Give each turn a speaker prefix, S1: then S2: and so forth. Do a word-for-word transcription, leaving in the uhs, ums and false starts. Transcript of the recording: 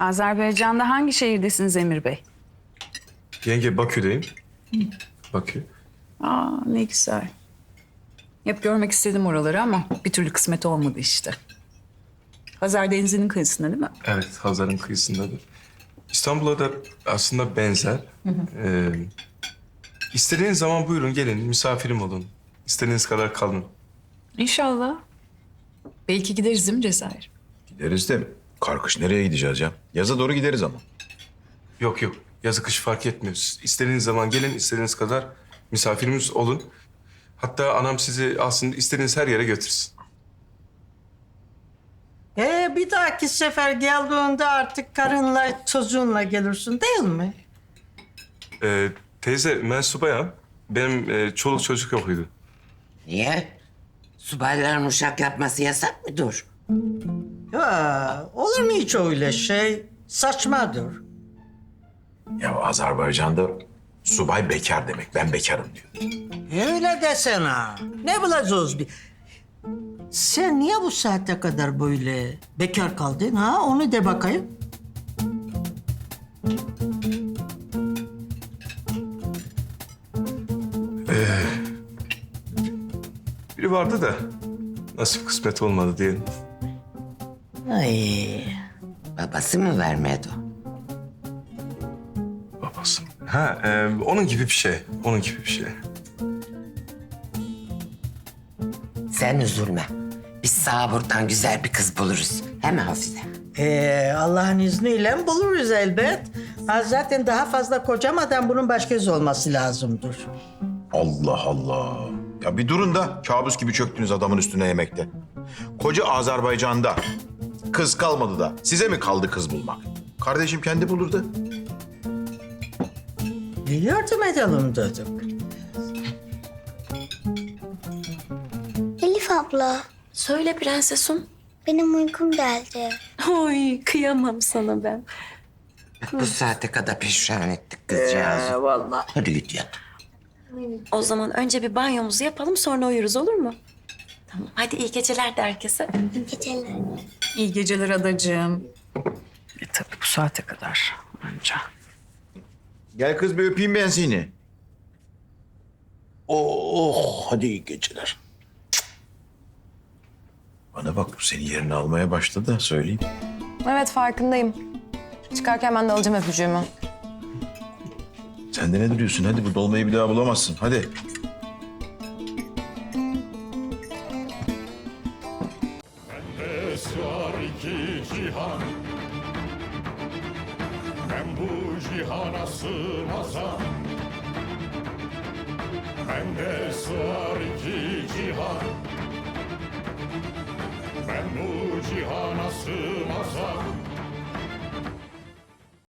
S1: Azerbaycan'da hangi şehirdesiniz Emir Bey?
S2: Yenge Bakü'deyim. Bakü.
S1: Aa, ne güzel. Hep görmek istedim oraları ama bir türlü kısmet olmadı işte. Hazar Denizi'nin kıyısında değil mi?
S2: Evet, Hazar'ın kıyısındadır. İstanbul'a da aslında benzer. Ee, istediğiniz zaman buyurun gelin, misafirim olun. İstediğiniz kadar kalın.
S1: İnşallah. Belki gideriz değil mi Cezayir?
S3: Gideriz de karkış nereye gideceğiz ya? Yaza doğru gideriz ama.
S2: Yok yok, yazı kış fark etmiyor. İstediğiniz zaman gelin, istediğiniz kadar misafirimiz olun. Hatta anam sizi aslında istediğiniz her yere götürsün.
S4: Ee, bir dahaki sefer geldiğinde artık karınla çocuğunla gelirsin değil mi?
S2: Ee, teyze, ben subayım. Benim e, çoluk çocuk yokuydu.
S5: Niye? Subayların uşak yapması yasak mıdır?
S4: Ya olur mu hiç öyle şey? Saçmadır.
S3: Ya Azerbaycan'da subay bekar demek. Ben bekarım diyor.
S4: Öyle desene. Ne bulacağız bir? Sen niye bu saate kadar böyle bekar kaldın ha? Onu de bakayım.
S2: Biri vardı da nasip kısmet olmadı diyelim.
S4: Ay.
S5: Babası mı vermedi o?
S2: Babası. Ha, e, onun gibi bir şey. Onun gibi bir şey.
S5: Sen üzülme. Biz sana buradan güzel bir kız buluruz. He mi Hafize?
S4: Ee, Allah'ın izniyle buluruz elbet. Ha, zaten daha fazla kocamadan bunun başkası olması lazımdır.
S3: Allah Allah. Ya bir durun da kabus gibi çöktünüz adamın üstüne yemekte. Koca Azerbaycan'da kız kalmadı da size mi kaldı kız bulmak? Kardeşim kendi bulurdu.
S4: Bir yardım edelim dedik.
S6: Elif abla,
S7: Söyle prensesim.
S6: benim uykum geldi.
S7: Oy kıyamam sana ben.
S5: Bak bu saate kadar pişman ettik kızcağızı.
S4: Ee, vallahi.
S5: Hadi git yat.
S7: O zaman önce bir banyomuzu yapalım sonra uyuruz olur mu? Tamam hadi iyi geceler de herkese.
S6: Geceler.
S1: İyi geceler adacığım. E tabii bu saate kadar anca.
S3: Gel kız bir öpeyim ben seni. Oh, oh hadi iyi geceler. Cık. Bana bak bu senin yerini almaya başladı da söyleyeyim.
S8: Evet farkındayım. Çıkarken ben de alacağım öpücüğümü.
S3: Sen de ne duruyorsun? Hadi bu dolmayı bir daha bulamazsın. Hadi.
S9: Bende sığar iki cihan. Ben bu cihana sığmazam. Bende sığar iki cihan. Ben bu cihana sığmazam.